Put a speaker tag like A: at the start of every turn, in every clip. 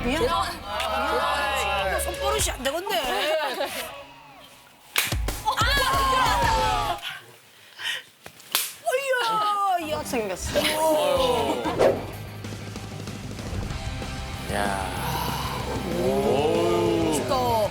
A: 미안. 이거 손버릇이 안 되겠네. 어이야, 이 학생 생겼어.
B: 야.
A: 멋있다.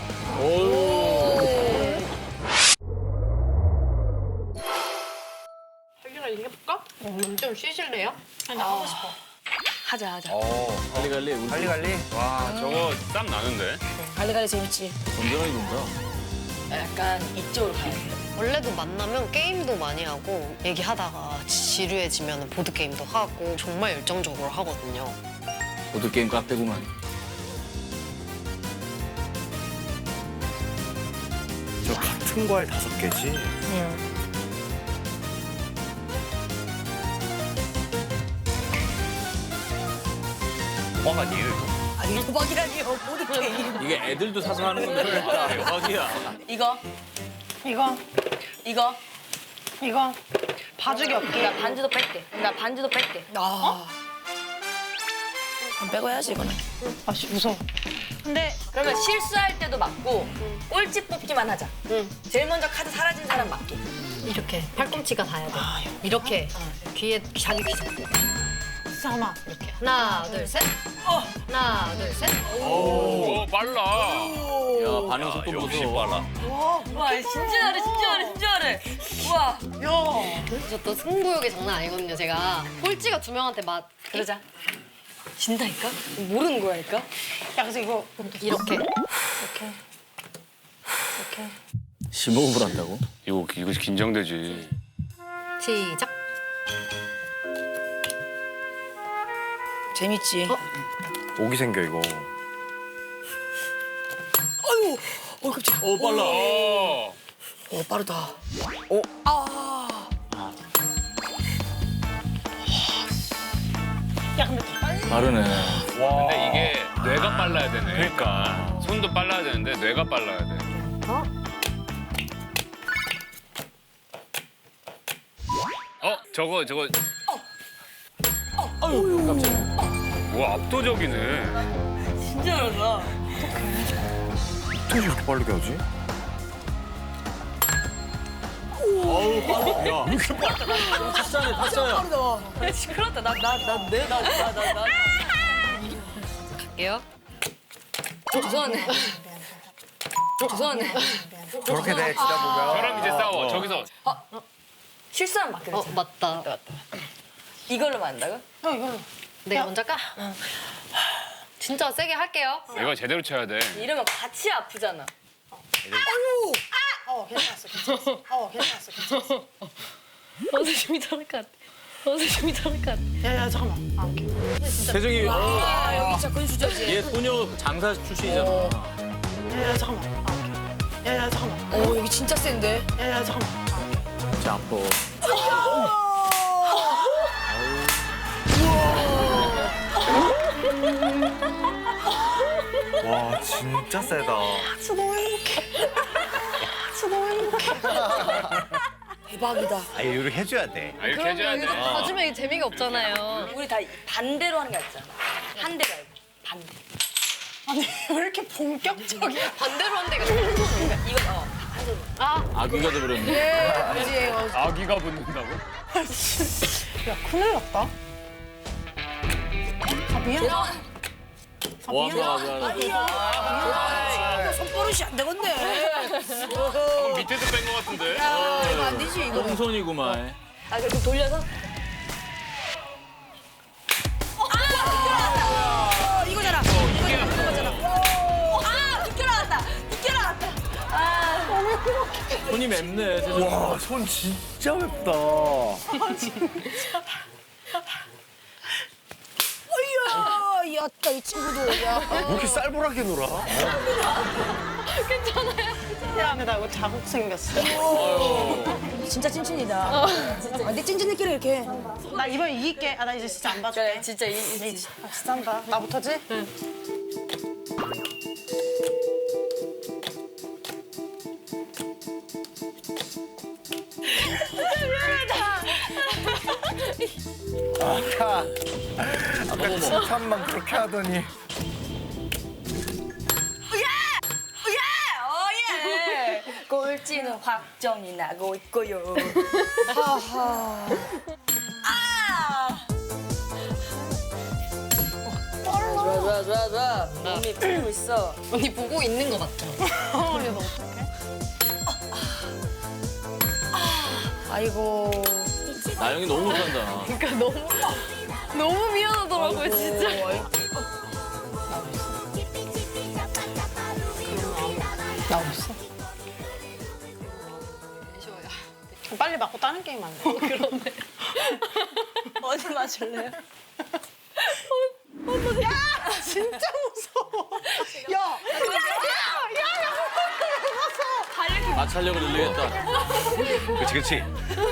C: 자기가 이거 해볼까? 좀 쉬실래요? 아니, 나 하고 싶어.
A: 하자.
B: 갈리갈리. 우리
D: 갈리갈리?
E: 와 저거 땀 나는데?
A: 갈리갈리 재밌지.
B: 건전하게 논다.
A: 약간 이쪽으로 가야 돼.
C: 원래도 만나면 게임도 많이 하고 얘기하다가 지루해지면 보드게임도 하고 정말 열정적으로 하거든요.
B: 보드게임 카페구만.
D: 저 같은 거 할 5개지? 뻥 아니에요, 이거?
A: 아니, 도박이라니요. 보드게임.
B: 이게 애들도 사서 하는 건데. 아, 대박이야.
A: 이거,
C: 이거,
A: 이거.
C: 이거 봐주기 없기.
A: 나 반지도 뺄게. 아. 빼고 해야지, 이거는.
C: 아씨 무서워. 근데
F: 그러면 실수할 때도 맞고 꼴찌 뽑기만 하자. 제일 먼저 카드 사라진 사람 맞기.
C: 이렇게 팔꿈치가 닿아야 돼. 이렇게 귀에 자기 귀 잡고. 잠깐만. 이렇게 하나 둘 셋. 하나 둘 셋.
E: 오 빨라.
B: 야, 반응 속도
E: 역시
B: 보소.
E: 빨라.
F: 와 진짜 잘해. 우와.
C: 저 또 승부욕이 장난 아니거든요. 제가 꼴찌가 2명한테 맞
F: 그러자.
C: 진다니까? 모르는 거야니까?
F: 야 그래서 이거
C: 이렇게
B: 15분을 한다고?
E: 이거 긴장되지.
C: 시작.
A: 재밌지.
D: 오기 생겨, 이거.
A: 깜짝이야.
B: 오, 빨라.
A: 오, 빠르다.
B: 빠르네.
E: 근데 이게 뇌가 빨라야 되네. 그러니까 손도 빨라야 되는데 뇌가 빨라야 돼. 저거.
B: 아유, 깜짝이야.
E: 와 압도적이네.
F: 진짜 잘한다.
D: 어떻게 저렇게 빠르게 하지?
B: 야, 타짜네, 타짜야.
F: 시끄럽다. 나.
C: 갈게요.
F: 죄송하네.
D: 저렇게 돼, 지다 보면.
E: 저랑 이제 싸워. 저기서
F: 실수하면 맞게 되잖아.
C: 맞다.
F: 이걸로 맞는다고?
C: 내가 먼저 까? 진짜 세게 할게요.
E: 이거 제대로 쳐야 돼.
F: 이러면 같이 아프잖아.
C: 선생님이 저럴 것 같아.
A: 야, 잠깐만.
B: 세정이,
A: 아, 여기 진짜 근수저지.
B: 얘 소녀 장사 출신이잖아.
A: 야, 잠깐만. 오, 여기 진짜 센데?
B: 진짜 아파.
D: 와, 진짜 세다.
A: 대박이다.
D: 아, 이렇게 해줘야 돼.
E: 이렇게 해줘야 돼.
C: 봐주면 이게 재미가 없잖아요.
F: 우리 다 반대로 하는 게 낫잖아. 한 대 말고 반대.
A: 왜 이렇게 본격적이야?
C: 반대로 한 대가
F: 이거 한 손으로.
B: 아귀가 돼버렸네.
A: 그지?
E: 아기가 붙는다고?
A: 큰일 났다. 아, 미안.
B: 와, 좋아.
A: 이거 손버릇이 안 되겠네.
E: 방금 밑에서 뺀 것 같은데.
A: 야, 이거 안 되지, 이거.
B: 홍손이구만.
F: 아 그럼 돌려서.
A: 이거잖아.
F: 늦게 나왔다.
B: 손이 맵네, 세정이.
D: 와, 손 진짜 맵다.
A: 어이야, 야따, 이 친구도. 야.
D: 왜 이렇게 쌀벌하게 놀아?
A: 야, 근데 나 이거 자국 생겼어. 진짜 찐친이다. 근데 찐친들끼리 이렇게 해.
G: 나 이번에 이길게. 나 이제 진짜 안 봐줄게.
F: 그래 진짜
G: 진짜 한다. 나부터지?
D: 아까 칭찬만 그렇게 하더니.
F: 꼴찌는 확정이 나고 있고요.
A: 하하. 좋아. 몸이 풀리고 있어.
C: 언니 보고 있는 거 맞죠?
A: 아이고.
B: 나영이 너무 못한다.
C: 그러니까 너무 미안하더라고요 진짜.
A: 나 없어.
G: 빨리 맞고 다른 게임 안 돼?
C: 그런데
A: 어디 맞을래요?
G: 진짜 무서워. 야,
B: 마찰력을 늘리겠다.
D: 그치.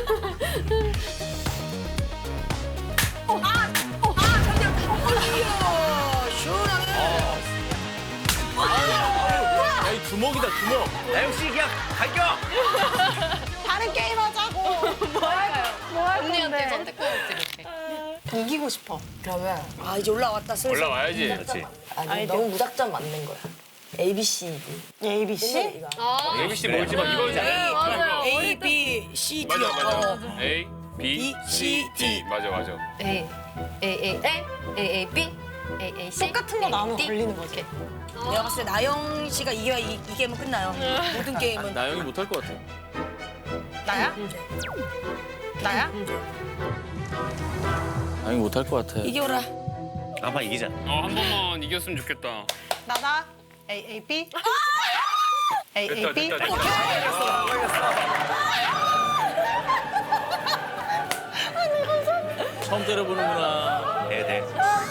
B: 야, 이 주먹이다, 주먹.
D: 나영 씨 그냥 갈겨.
G: 다른 게임 하자고. 뭐 할
C: 언니한테
G: 건데?
C: 선택권을 드릴게.
G: 이기고 싶어.
A: 그러면 아 이제 올라왔다 슬슬.
E: 올라와야지.
D: 그렇지.
F: 아니 너무 무작정 맞는 거야. A, B, C, D.
G: A, B, C?
C: 아
E: ABC 뭘지 막 이거
C: 네, 맞아요.
A: A, B, C, D.
E: 맞아. A, B, C, D. 맞아.
C: A B A C
G: 똑같은 거 나오면 걸리는 거지.
A: 내가 봤을 때 나영 씨가 이겨야 이 게임은 끝나요. 모든 게임은.
B: 나영이 못할 것 같아.
G: 나야? 나야?
B: 나영이 못할 것 같아.
A: 이겨라.
D: 아마 이기자.
E: 한 번만 이겼으면 좋겠다.
G: 나다. A, A, B. A, A, B.
E: 됐다.
B: 처음 때려보는구나.
D: 네.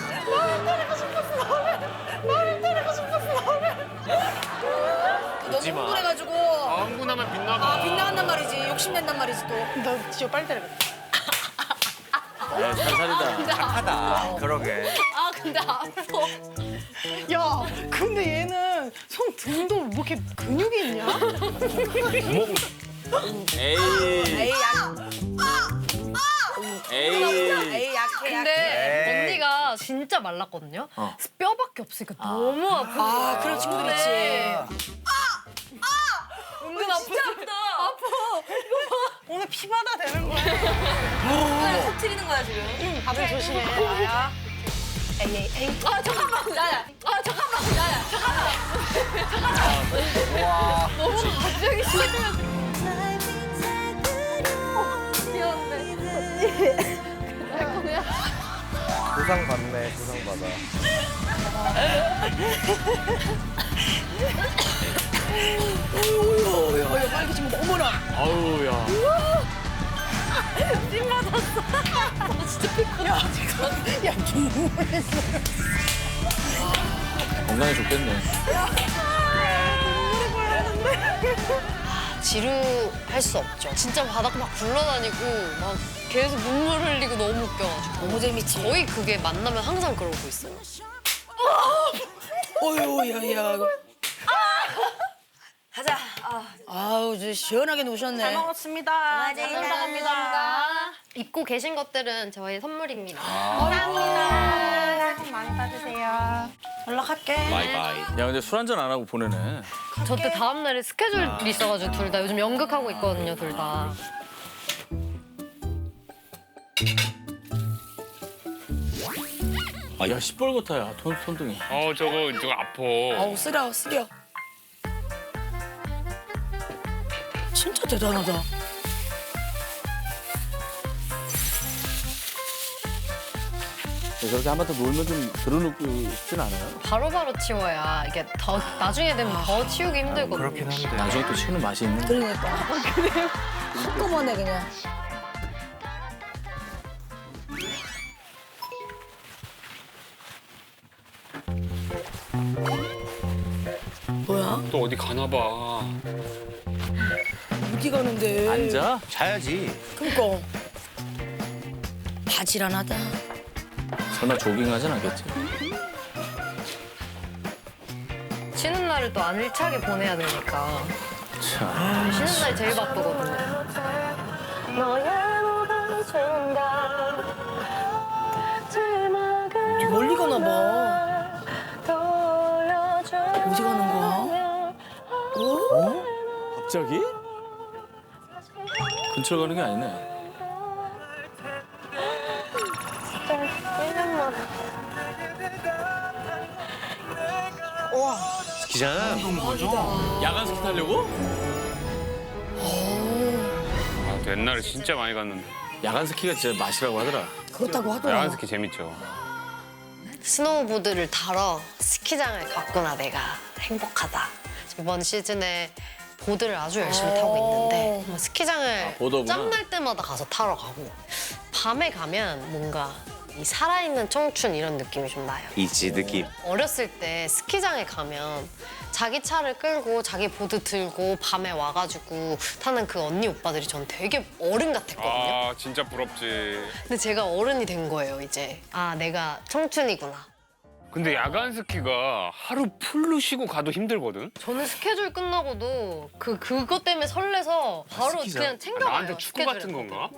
A: 너무
D: 마.
A: 흥분해가지고
E: 흥분하면 빛나봐.
A: 빗나간단 말이지. 욕심낸단 말이지 또.
G: 너 지금 빨리 때려야겠다.
B: 야, 살살이다.
D: 착하다. 그러게.
C: 아 근데 아파.
G: 야, 근데 얘는 손 등도 뭐 이렇게 근육이 있냐?
B: 에이,
A: 에이 약.
B: 에이.
A: 에이 약해.
C: 근데
D: 에이.
C: 언니가 진짜 말랐거든요.
B: 어.
C: 그래서 뼈밖에 없으니까 너무 아파.
A: 아 그런 친구들 있지.
C: 은근 아프다.
G: 오늘 피바다 되는 거야.
F: 터트리는 거야 지금.
G: 다들 조심해. 나야. A, A, A.
C: 아 잠깐만 나야. 아 잠깐만 나야.
D: 와.
C: 너무 갑자기 심해요. 미안해.
D: 부상 받네. 부상 받아.
A: 어휴 빨리 지금 어머나.
B: 아우, 야.
A: 야 눈물했어.
B: 건강에 좋겠네.
C: 지루할 수 없죠. 진짜 바닥 막 굴러다니고 막 계속 눈물 흘리고 너무 웃겨가지고.
A: 너무 재밌지.
C: 거의 그게 만나면 항상 그러고 있어요.
A: 어휴 야야.
F: 가자.
A: 아우 이제 시원하게
G: 잘
A: 노셨네.
G: 먹었습니다. 잘 감사합니다.
C: 입고 계신 것들은 저의 선물입니다.
G: 감사합니다. 새해 복 많이 받으세요. 연락할게.
D: 바이바이.
B: 야, 근데 술 한잔 안 하고 보내네.
C: 저 때 다음 날에 스케줄이 있어가지고 둘 다 요즘 연극하고 있거든요, 둘 다.
B: 야, 시뻘겋다, 야, 손등이.
E: 저거 아파.
A: 아우 쓰려. 진짜 대단하다.
B: 저렇게 한 번 더 놀면 좀 들어눕고 싶진 않아요?
C: 바로바로 치워야 이게 더 나중에 되면 더 치우기 힘들거든요.
D: 그렇긴 한데.
B: 나중에 또 치우는 맛이 있는데.
A: 그러니까. 한꺼번에 그냥. 뭐야?
E: 또 어디 가나 봐.
A: 어디 가는데?
B: 앉아?
D: 자야지.
A: 그니까. 바지런하다.
B: 설마 조깅하진 않겠지?
C: 쉬는 날을 또 알차게 보내야 되니까.
B: 참.
C: 쉬는 날이 제일 바쁘거든요.
A: 멀리 가나 봐. 어디 가는 거야? 어?
B: 갑자기? 근처 가는 게 아니네.
D: 스키장.
B: 야간 스키 타려고?
E: 아, 옛날에 진짜 많이 갔는데.
B: 야간 스키가 진짜 맛이라고 하더라.
A: 그렇다고 하더라.
E: 야간 스키 재밌죠.
C: 스노우보드를 타러 스키장을 갔구나 내가 행복하다. 이번 시즌에 보드를 아주 열심히 타고 있는데 뭐 스키장을
B: 보더구나.
C: 짬날 때마다 가서 타러 가고 밤에 가면 뭔가 이 살아있는 청춘 이런 느낌이 좀 나요.
D: 이지 느낌.
C: 어렸을 때 스키장에 가면 자기 차를 끌고 자기 보드 들고 밤에 와가지고 타는 그 언니 오빠들이 전 되게 어른 같았거든요.
E: 아, 진짜 부럽지.
C: 근데 제가 어른이 된 거예요 이제. 아 내가 청춘이구나.
E: 근데 야간 스키가 하루 풀로 쉬고 가도 힘들거든?
C: 저는 스케줄 끝나고도 그것 때문에 설레서 바로 그냥 챙겨가요.
E: 나한테 축구 같은 건가?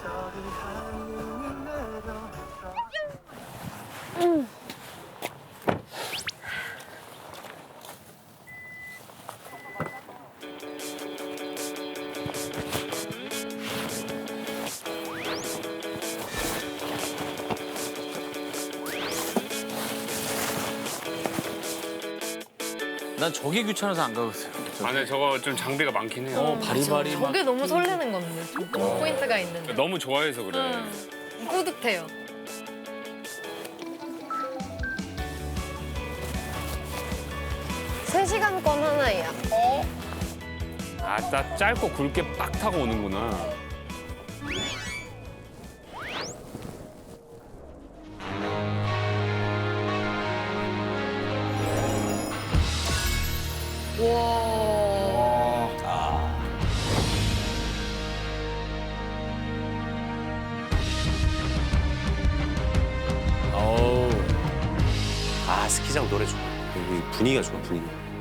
B: 난 저게 귀찮아서 안 가거든.
E: 아, 근데 저거 좀 장비가 많긴 해요.
B: 바리바리 막.
C: 저게 너무 설레는 건데 좀 그런 포인트가 있는데
E: 너무 좋아해서 그래.
C: 뿌듯해요. 세 시간권 하나예요.
E: 아, 나 짧고 굵게 빡 타고 오는구나.
B: 어우.
D: 아 스키장 노래 좋아. 여기 분위기가 좋아 분위기.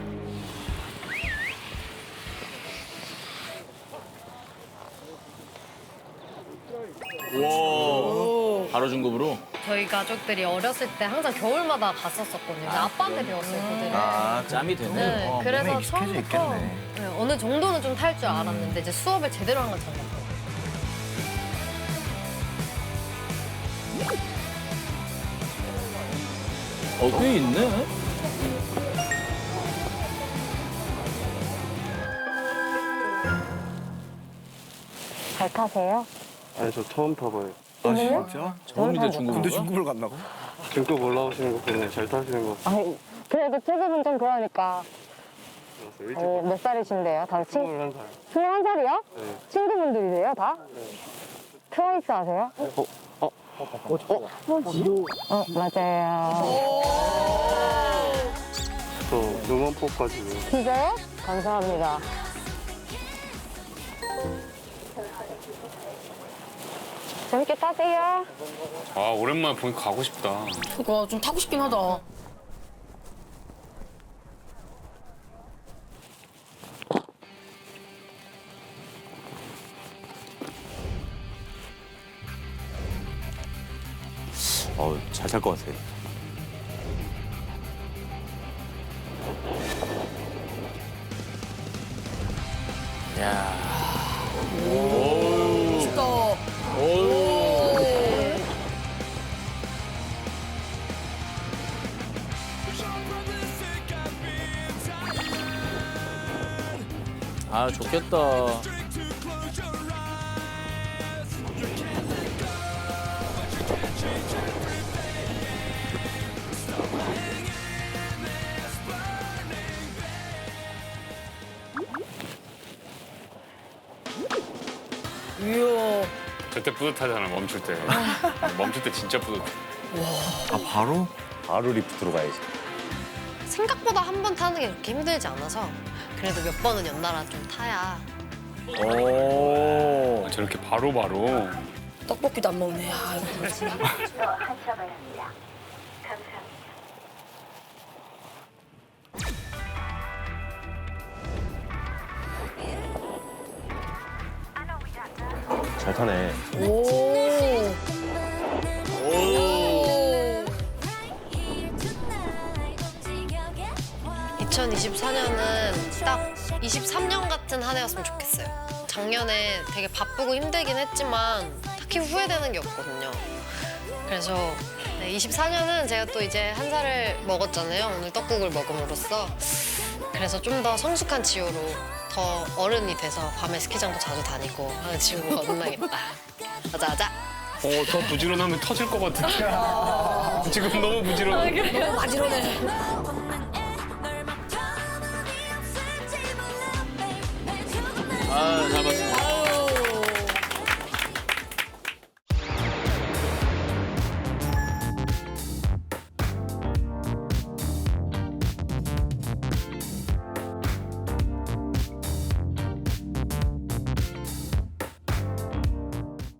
B: 와. 바로 중급으로?
C: 저희 가족들이 어렸을 때 항상 겨울마다 갔었었거든요. 아빠한테 배웠어요, 보드를.
B: 짬이 되네.
C: 네, 그래서 처음부터 네, 어느 정도는 좀 탈 줄 알았는데 이제 수업을 제대로 한 건 처음 같아요.
B: 꽤 있네.
C: 잘 타세요?
H: 아니 저 처음 타봐요.
B: 처음인데 중급인가?
D: 근데 중국을 갔나고?
H: 중급 올라오시는 거 보면 잘 타시는 거
I: 아니, 그래도 체급은 좀 그러니까.
H: 같아서 일찍
I: 몇 살이신데요? 다
H: 21살.
I: 21살이요?
H: 네.
I: 친구분들이세요, 다? 트와이스 아세요? 맞아요.
H: 저 응원포까지
I: 진짜요? 감사합니다. 재밌게 타세요.
E: 아, 오랜만에 보니까 가고 싶다.
A: 그거 좀 타고 싶긴 하다.
D: 잘 탈 것 같아.
B: 야.
A: 멋있다.
B: 아, 좋겠다.
A: 이야.
E: 저때 뿌듯하잖아, 멈출 때. 멈출 때 진짜 뿌듯해.
D: 아 바로? 바로 리프트로 가야지.
C: 생각보다 한 번 타는 게 그렇게 힘들지 않아서 그래도 몇 번은 연달아 좀 타야.
B: 오.
E: 아, 저렇게 바로바로.
A: 떡볶이도 안 먹네. 아, 이거 그렇지.
D: 잘 타네.
A: 오.
C: 2024년은 딱 23년 같은 한 해였으면 좋겠어요. 작년에 되게 바쁘고 힘들긴 했지만 딱히 후회되는 게 없거든요. 그래서 네, 24년은 제가 또 이제 한 살을 먹었잖아요. 오늘 떡국을 먹음으로써. 그래서 좀 더 성숙한 지호로 더 어른이 돼서 밤에 스키장도 자주 다니고 하는 지호로 만나겠다. 가자 가자.
E: 더 부지런하면 터질 것 같은데. 지금 너무 부지런해.
A: 너무 마지런해.
B: 아, 잘 봤습니다.